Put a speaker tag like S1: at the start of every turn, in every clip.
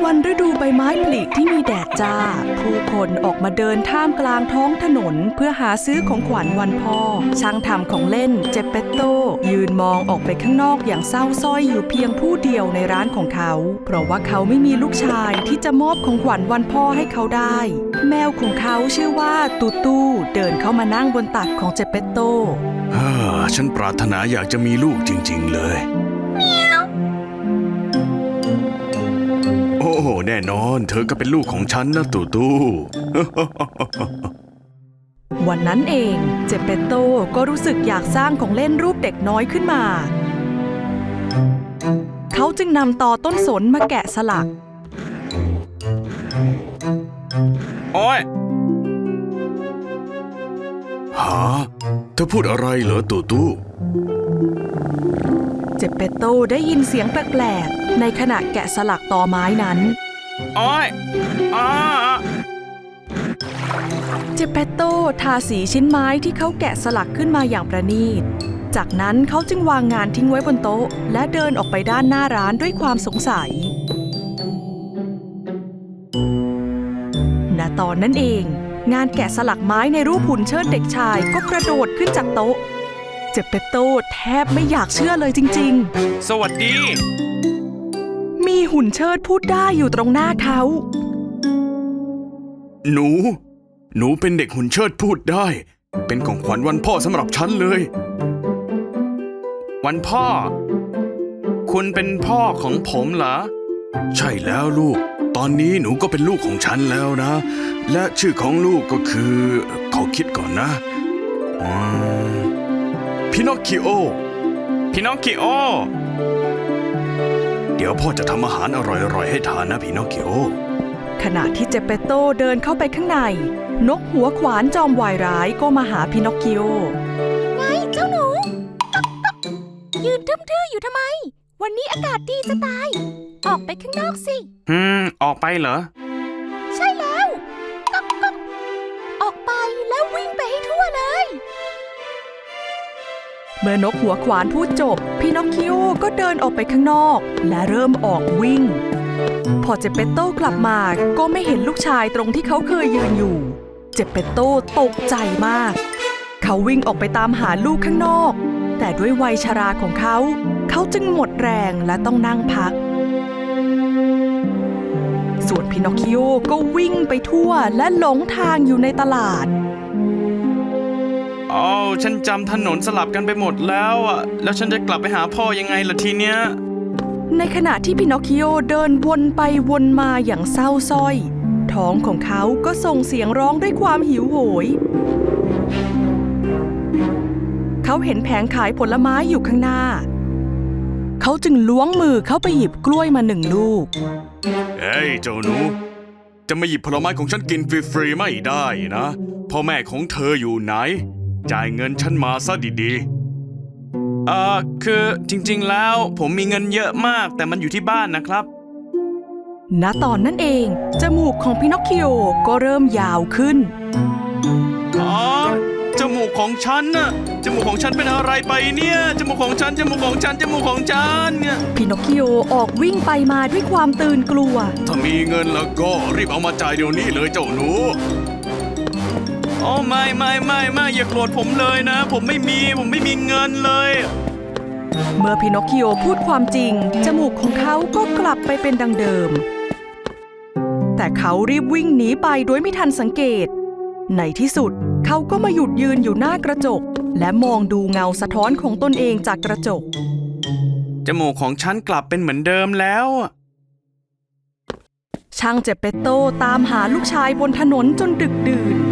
S1: วันฤดูใบไม้ผลิที่มีแดดจ้าผู้คนออกมาเดินท่ามกลางท้องถนนเพื่อหาซื้อของขวัญวันพ่อช่างทำของเล่นเจเปตโตยืนมองออกไปข้างนอกอย่างเศร้าส้อยอยู่เพียงผู้เดียวในร้านของเขาเพราะว่าเขาไม่มีลูกชายที่จะมอบของขวัญวันพ่อให้เขาได้แมวของเขาชื่อว่าตูตูเดินเข้ามานั่งบนตักของเจเปตโต
S2: ฉันปรารถนาอยากจะมีลูกจริงๆเลยโอ้แน่นอนเธอก็เป็นลูกของฉันนะตูตู
S1: วันนั้นเองเจเปตโตก็รู้สึกอยากสร้างของเล่นรูปเด็กน้อยขึ้นมาเขาจึงนำตอต้นสนมาแกะสลัก
S2: โอ้ยเธอพูดอะไรเหรอตูตู
S1: เจเปตโตได้ยินเสียงแปลกๆในขณะแกะสลักตอไม้นั้น
S2: โอ้ย
S1: เจเปตโตทาสีชิ้นไม้ที่เขาแกะสลักขึ้นมาอย่างประณีตจากนั้นเขาจึงวางงานทิ้งไว้บนโต๊ะและเดินออกไปด้านหน้าร้านด้วยความสงสัยณตอนนั้นเองงานแกะสลักไม้ในรูปหุ่นเชิดเด็กชายก็กระโดดขึ้นจากโต๊ะเจเปตโตแทบไม่อยากเชื่อเลยจริง
S2: ๆสวัสดี
S1: มีหุ่นเชิดพูดได้อยู่ตรงหน้าเขา
S2: หนูเป็นเด็กหุ่นเชิดพูดได้เป็นของขวัญวันพ่อสำหรับฉันเลยวันพ่อคุณเป็นพ่อของผมเหรอใช่แล้วลูกตอนนี้หนูก็เป็นลูกของฉันแล้วนะและชื่อของลูกก็คือขอคิดก่อนนะพินอคคิโอเดี๋ยวพ่อจะทำอาหารอร่อยๆให้ทานนะพินอคคิโอ
S1: ขณะที่เจเปตโตเดินเข้าไปข้างในนกหัวขวานจอมวายร้ายก็มาหาพินอคคิโอ
S3: ไงเจ้าหนูยืนทื่อๆอยู่ทำไมวันนี้อากาศดีจะตายออกไปข้างนอกสิ
S2: ออกไปเหรอ
S3: ใช่แล้วออกไปแล้ววิ่งไปให้ทั่วเลย
S1: เมื่อนกหัวขวานพูดจบพินอคคิโอก็เดินออกไปข้างนอกและเริ่มออกวิ่งพอเจเปตโตกลับมาก็ไม่เห็นลูกชายตรงที่เขาเคยยืนอยู่เจเปตโตตกใจมากเขาวิ่งออกไปตามหาลูกข้างนอกแต่ด้วยวัยชราของเขาจึงหมดแรงและต้องนั่งพักส่วนพินอคคิโอก็วิ่งไปทั่วและหลงทางอยู่ในตลาด
S2: ฉันจำถนนสลับกันไปหมดแล้วแล้วฉันจะกลับไปหาพ่อยังไงล่ะทีเนี้ย
S1: ในขณะที่พินอคคิโอเดินวนไปวนมาอย่างเศร้าส้อยท้องของเขาก็ส่งเสียงร้องด้วยความหิวโหยเขาเห็นแผงขายผลไม้อยู่ข้างหน้าเขาจึงล้วงมือเข้าไปหยิบกล้วยมา1 ลูก
S2: เฮ้ยเจ้าหนูจะมาหยิบผลไม้ของฉันกินฟรีๆไม่ได้นะพ่อแม่ของเธออยู่ไหนจ่ายเงินฉันมาซะดีๆคือจริงๆแล้วผมมีเงินเยอะมากแต่มันอยู่ที่บ้านนะครับ
S1: ณตอนนั้นเองจมูกของพินอคคิโอก็เริ่มยาวขึ้น
S2: จมูกของฉันน่ะจมูกของฉันเป็นอะไรไปเนี่ยจมูกของฉันเนี่ย
S1: พินอคคิโอออกวิ่งไปมาด้วยความตื่นกลัว
S2: ถ้ามีเงินแล้วก็รีบเอามาจ่ายเดี๋ยวนี้เลยเจ้าหนูไม่อย่าโกรธผมเลยนะผมไม่มีเงินเลย
S1: เมื่อพินอคคิโอพูดความจริงจมูกของเขาก็กลับไปเป็นดังเดิมแต่เขารีบวิ่งหนีไปโดยไม่ทันสังเกตในที่สุดเขาก็มาหยุดยืนอยู่หน้ากระจกและมองดูเงาสะท้อนของตนเองจากกระจก
S2: จมูกของฉันกลับเป็นเหมือนเดิมแล้ว
S1: ช่างเจเปตโตตามหาลูกชายบนถนนจนดึกดื่น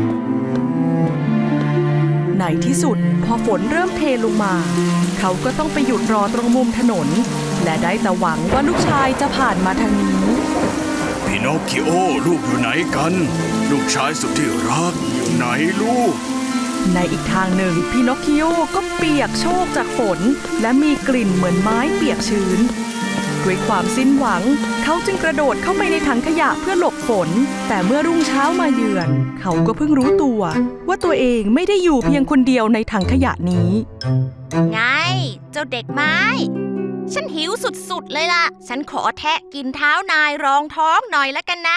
S1: ในที่สุดพอฝนเริ่มเทลงมาเขาก็ต้องไปหยุดรอตรงมุมถนนและได้แต่หวังว่าลูกชายจะผ่านมาทางนี้
S2: พินอคคิโอลูกอยู่ไหนกันลูกชายสุดที่รักอยู่ไหนลูก
S1: ในอีกทางหนึ่งพินอคคิโอก็เปียกโชกจากฝนและมีกลิ่นเหมือนไม้เปียกชื้นด้วยความสิ้นหวังเขาจึงกระโดดเข้าไปในถังขยะเพื่อหลบฝนแต่เมื่อรุ่งเช้ามาเยือนเขาก็เพิ่งรู้ตัวว่าตัวเองไม่ได้อยู่เพียงคนเดียวในถังขยะนี้
S3: ไงเจ้าเด็กไม้ฉันหิวสุดๆเลยล่ะ ฉันขอแทะกินเท้านายรองท้องหน่อยละกันนะ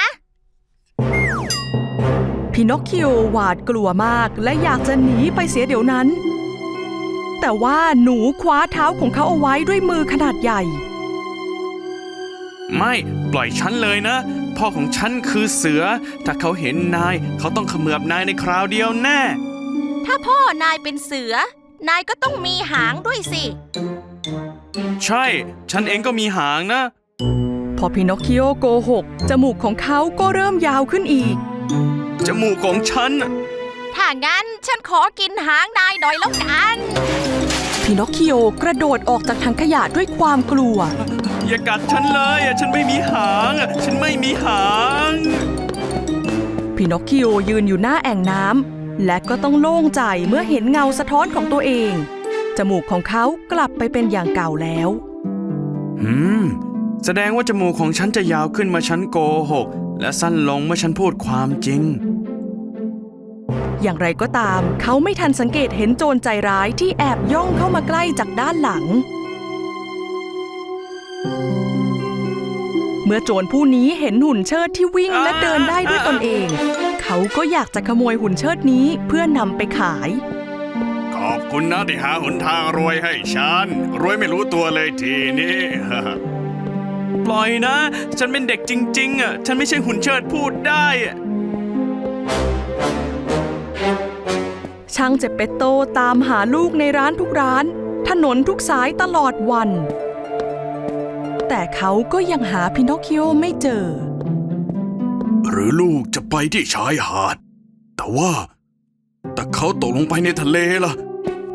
S1: พินอคคิโอหวาดกลัวมากและอยากจะหนีไปเสียเดี๋ยวนั้น แต่ว่าหนูคว้าเท้าของเขาเอาไว้ด้วยมือขนาดใหญ่
S2: ไม่ปล่อยฉันเลยนะ พ่อของฉันคือเสือ ถ้าเขาเห็นนายเขาต้องเขมือบนายในคราวเดียวแน่
S3: ถ้าพ่อนายเป็นเสือ นายก็ต้องมีหางด้วยสิ
S2: ใช่ ฉันเองก็มีหางนะ
S1: พอพินอคคิโอโกหกจมูกของเขาก็เริ่มยาวขึ้นอีก
S2: จมูกของฉัน
S3: ถ้างั้นฉันขอกินหางนายหน่อยแล้วกัน
S1: พินอคคิโอกระโดดออกจากถังขยะด้วยความกลัว
S2: อย่ากัดฉันเลยฉันไม่มีหาง ฉันไม่มีหาง
S1: พินอคคิโอยืนอยู่หน้าแอ่งน้ำและก็ต้องโล่งใจเมื่อเห็นเงาสะท้อนของตัวเอง จมูกของเขากลับไปเป็นอย่างเก่าแล้ว
S2: แสดงว่าจมูกของฉันจะยาวขึ้นเมื่อฉันโกหก และสั้นลงเมื่อฉันพูดความจริง
S1: อย่างไรก็ตามเขาไม่ทันสังเกตเห็นโจรใจร้ายที่แอบย่องเข้ามาใกล้จากด้านหลัง เมื่อโจรผู้นี้เห็นหุ่นเชิดที่วิ่งและเดินได้ด้วยตนเอง เขาก็อยากจะขโมยหุ่นเชิดนี้เพื่อนำไปขาย
S2: ขอบคุณนะที่หาหนทางรวยให้ฉัน รวยไม่รู้ตัวเลยทีนี้ ปล่อยนะ ฉันเป็นเด็กจริงๆอ่ะ ฉันไม่ใช่หุ่นเชิดพูดได้อะ
S1: ช่างเจเปตโตตามหาลูกในร้านทุกร้าน ถนนทุกสายตลอดวัน แต่เขาก็ยังหาพินอคคิโอไม่เจอ
S2: หรือลูกจะไปที่ชายหาด แต่เขาตกลงไปในทะเลล่ะ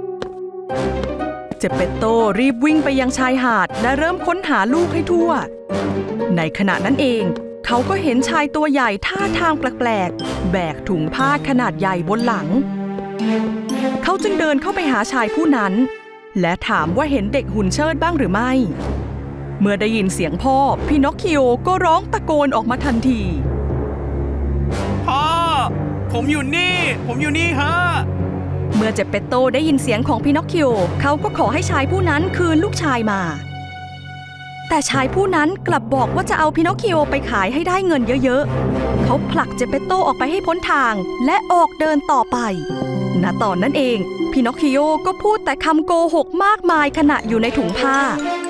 S1: เจเปตโตรีบวิ่งไปยังชายหาดและเริ่มค้นหาลูกให้ทั่ว ในขณะนั้นเองเขาก็เห็นชายตัวใหญ่ท่าทางแปลกๆแบกถุงผ้าขนาดใหญ่บนหลัง เขาจึงเดินเข้าไปหาชายผู้นั้น และถามว่าเห็นเด็กหุ่นเชิดบ้างหรือไม่ เมื่อได้ยินเสียงพ่อพินอคคิโอก็ร้องตะโกนออกมาทันที
S2: พ่อ ผมอยู่นี่ฮะ
S1: เมื่อเจเปตโตได้ยินเสียงของพินอคคิโอเขาก็ขอให้ชายผู้นั้นคืนลูกชายมา แต่ชายผู้นั้นกลับบอกว่าจะเอาพินอคคิโอไปขายให้ได้เงินเยอะๆเขาผลักเจเปตโตออกไปให้พ้นทางและออกเดินต่อไปณตอนนั้นเองพินอคคิโอก็พูดแต่คำโกหกมากมายขณะอยู่ในถุงผ้า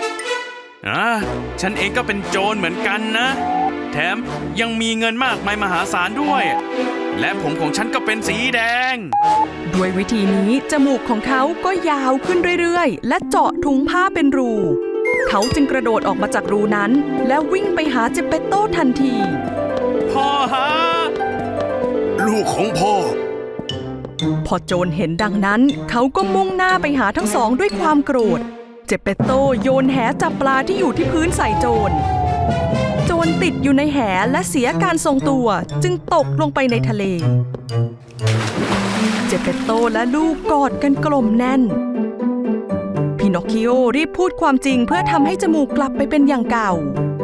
S2: ฉันเองก็เป็นโจรเหมือนกันนะ แถมยังมีเงินมากมายมหาศาลด้วย และผมของฉันก็เป็นสีแดง
S1: ด้วยวิธีนี้จมูกของเขาก็ยาวขึ้นเรื่อยๆและเจาะถุงผ้าเป็นรู เขาจึงกระโดดออกมาจากรูนั้นและวิ่งไปหาเจเปตโตทันที
S2: พ่อฮะ ลูกของพ่อ
S1: พอโจรเห็นดังนั้นเขาก็มุ่งหน้าไปหาทั้งสองด้วยความโกรธ เจเปตโตโยนแหจับปลาที่อยู่ที่พื้นใส่โจร โจรติดอยู่ในแหและเสียการทรงตัวจึงตกลงไปในทะเล เจเปตโตและลูกกอดกันกลมแน่น พินอคคิโอรีบพูดความจริงเพื่อทำให้จมูกกลับไปเป็นอย่างเก่า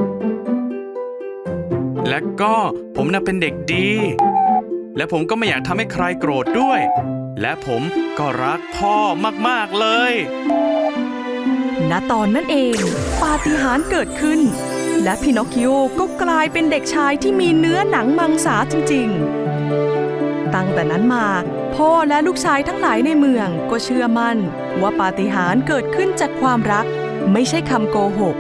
S2: และก็ผมน่ะเป็นเด็กดี และผมก็ไม่อยากทำให้ใครโกรธด้วย และผมก็รักพ่อมากๆเลย
S1: ณตอนนั้นเองปาฏิหาริย์เกิดขึ้น และพินอคคิโอก็กลายเป็นเด็กชายที่มีเนื้อหนังมังสาจริงๆ ตั้งแต่นั้นมาพ่อและลูกชายทั้งหลายในเมืองก็เชื่อมั่นว่าปาฏิหาริย์เกิดขึ้นจากความรักไม่ใช่คำโกหก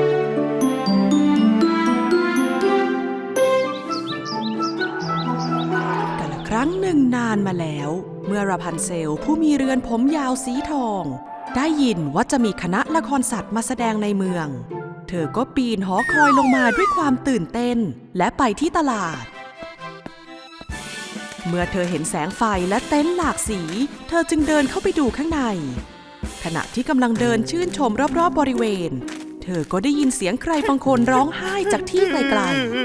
S1: กาลครั้งหนึ่งนานมาแล้ว เมื่อราพันเซลผู้มีเรือนผมยาวสีทองได้ยินว่าจะมีคณะละครสัตว์มาแสดงในเมือง เธอก็ปีนหอคอยลงมาด้วยความตื่นเต้นและไปที่ตลาด เมื่อเธอเห็นแสงไฟและเต็นท์หลากสี เธอจึงเดินเข้าไปดูข้างใน ขณะที่กำลังเดินชื่นชมรอบๆบริเวณ เธอก็ได้ยินเสียงใครบางคนร้องไห้จากที่ไกล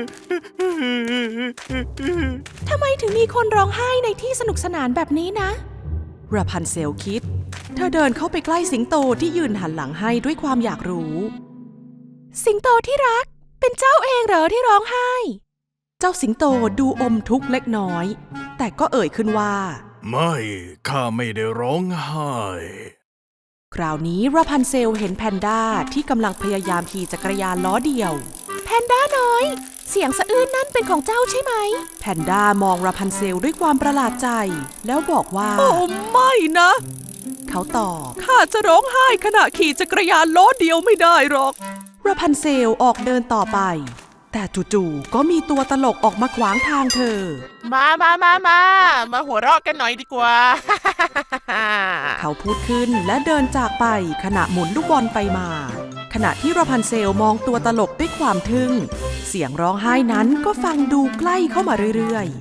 S1: ๆ ทำไมถึงมีคนร้องไห้ในที่สนุกสนานแบบนี้นะราพันเซลคิด เธอเดินเข้าไปใกล้สิงโตที่ยืนหันหลังให้ด้วยความอยากรู้ สิงโตที่รัก เป็นเจ้าเองเหรอที่ร้องไห้ เจ้าสิงโตดูอมทุกข์เล็กน้อย แต่ก็เอ่ยขึ้นว่า
S2: ไม่ ข้าไม่ได้ร้องไห้
S1: คราวนี้ราพันเซลเห็นแพนด้าที่กำลังพยายามขี่จักรยานล้อเดียว
S3: แพนด้าน้อย เสียงสะอื้นนั่นเป็นของเจ้าใช่ไหม
S1: แพนด้ามองราพันเซลด้วยความประหลาดใจแล้วบอกว่า
S4: โอ้ไม่นะ
S1: เขาตอบ
S4: ข้าจะร้องไห้ขณะขี่จักรยานล้อเดียวไม่ได้หรอก
S1: ราพันเซลออกเดินต่อไป แต่จู่ๆก็มีตัวตลกออกมาขวางทางเธอ
S5: มาหัวเราะกันหน่อยดีกว่า
S1: เขาพูดขึ้นและเดินจากไปขณะหมุนลูกบอลไปมา ขณะที่ราพันเซลมองตัวตลกด้วยความทึ่ง เสียงร้องไห้นั้นก็ฟังดูใกล้เข้ามาเรื่อย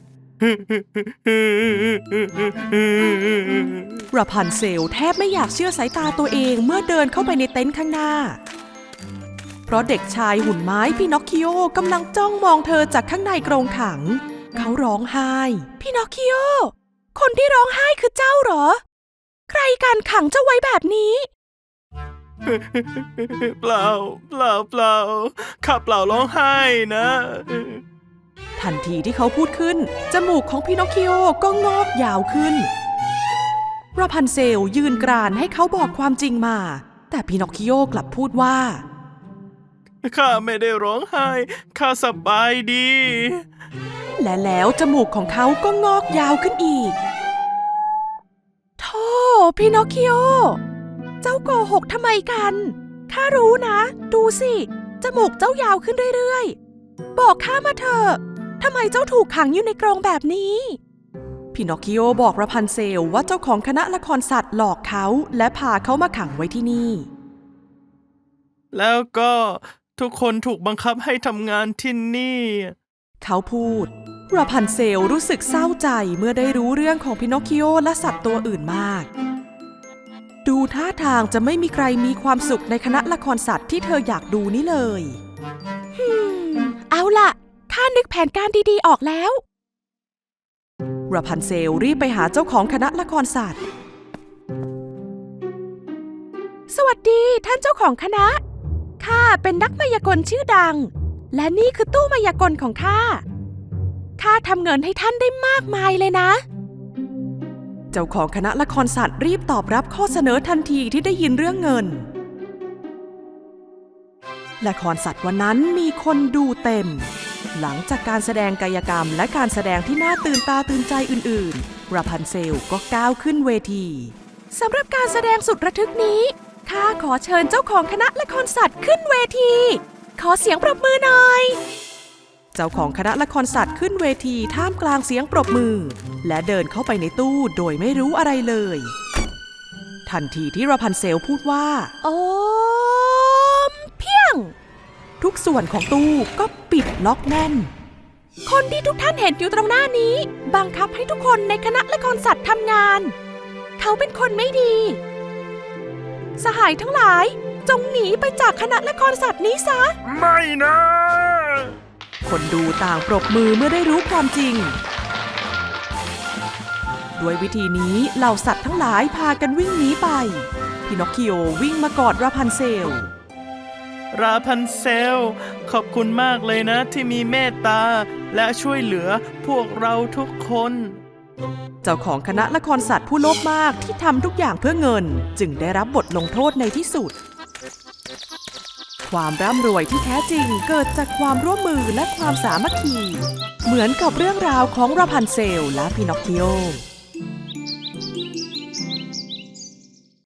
S1: ๆ ราพันเซลแทบไม่อยากเชื่อสายตาตัวเองเมื่อเดินเข้าไปในเต็นท์ข้างหน้า เพราะเด็กชายหุ่นไม้พินอคคิโอ กำลังจ้องมองเธอจากข้างในกรงขัง เขาร้องไห้พินอคคิโอ คนที่ร้องไห้คือเจ้าเหรอ ใครกันขังเจ้าไว้แบบนี้
S5: เปล่าข้าเปล่าร้องไห้นะ
S1: ทันทีที่เขาพูดขึ้นจมูกของพินอคคิโอก็งอกยาวขึ้นราพันเซลยืนกรานให้เขาบอกความจริงมา แต่พินอคคิโอกลับพูดว่า
S5: ข้าไม่ได้ร้องไห้ข้าสบายดี
S1: และแล้วจมูกของเขาก็งอกยาวขึ้นอีกโธ่พินอคคิโอ เจ้าโกหกทำไมกันข้ารู้นะ ดูสิจมูกเจ้ายาวขึ้นเรื่อยๆบอกข้ามาเถอะทำไมเจ้าถูกขังอยู่ในกรงแบบนี้พินอคคิโอบอกราพันเซลว่าเจ้าของคณะละครสัตว์หลอกเขาและพาเขามาขังไว้ที่นี่
S5: แล้วก็ทุกคนถูกบังคับให้ทำงานที่นี่
S1: เขาพูดราพันเซลรู้สึกเศร้าใจเมื่อได้รู้เรื่องของพินอคคิโอและสัตว์ตัวอื่นมากดูท่าทางจะไม่มีใครมีความสุขในคณะละครสัตว์ที่เธออยากดูนี่เลย
S3: เอาล่ะข้านึกแผนการดีๆออกแล้ว
S1: ราพันเซลรีบไปหาเจ้าของคณะละครสัตว์
S3: สวัสดีท่านเจ้าของคณะข้าเป็นนักมายากลชื่อดังและนี่คือตู้มายากลของข้าทำเงินให้ท่านได้มากมายเลยนะ
S1: เจ้าของคณะละครสัตว์รีบตอบรับข้อเสนอทันทีที่ได้ยินเรื่องเงินละครสัตว์วันนั้นมีคนดูเต็มหลังจากการแสดงกายกรรมและการแสดงที่น่าตื่นตาตื่นใจอื่นๆราพันเซลก็ก้าวขึ้นเวที
S3: สำหรับการแสดงสุดระทึกนี้ข้าขอเชิญเจ้าของคณะละครสัตว์ขึ้นเวทีขอเสียงปรบมือหน่อย
S1: เจ้าของคณะละครสัตว์ขึ้นเวทีท่ามกลางเสียงปรบมือและเดินเข้าไปในตู้โดยไม่รู้อะไรเลยทันทีที่ราพันเซลพูดว่า
S3: โอมเพียง
S1: ทุกส่วนของตู้ก็ปิดล็อกแน่น
S3: คนที่ทุกท่านเห็นอยู่ตรงหน้านี้บังคับให้ทุกคนในคณะละครสัตว์ทำงานเขาเป็นคนไม่ดีสหายทั้งหลายจงหนีไปจากคณะละครสัตว์นี้ซะ
S5: ไม่นะ
S1: คนดูต่างปรบมือเมื่อได้รู้ความจริงด้วยวิธีนี้เหล่าสัตว์ทั้งหลายพากันวิ่งหนีไปพินอคคิโอวิ่งมากอดราพันเซล
S5: ขอบคุณมากเลยนะที่มีเมตตาและช่วยเหลือพวกเราทุกคน
S1: เจ้าของคณะละครสัตว์ผู้โลภมากที่ทำทุกอย่างเพื่อเงินจึงได้รับบทลงโทษในที่สุดความร่ำรวยที่แท้จริงเกิดจากความร่วมมือและความสามัคคีเหมือนกับเรื่องราวของราพันเซลและพินอคคิโอ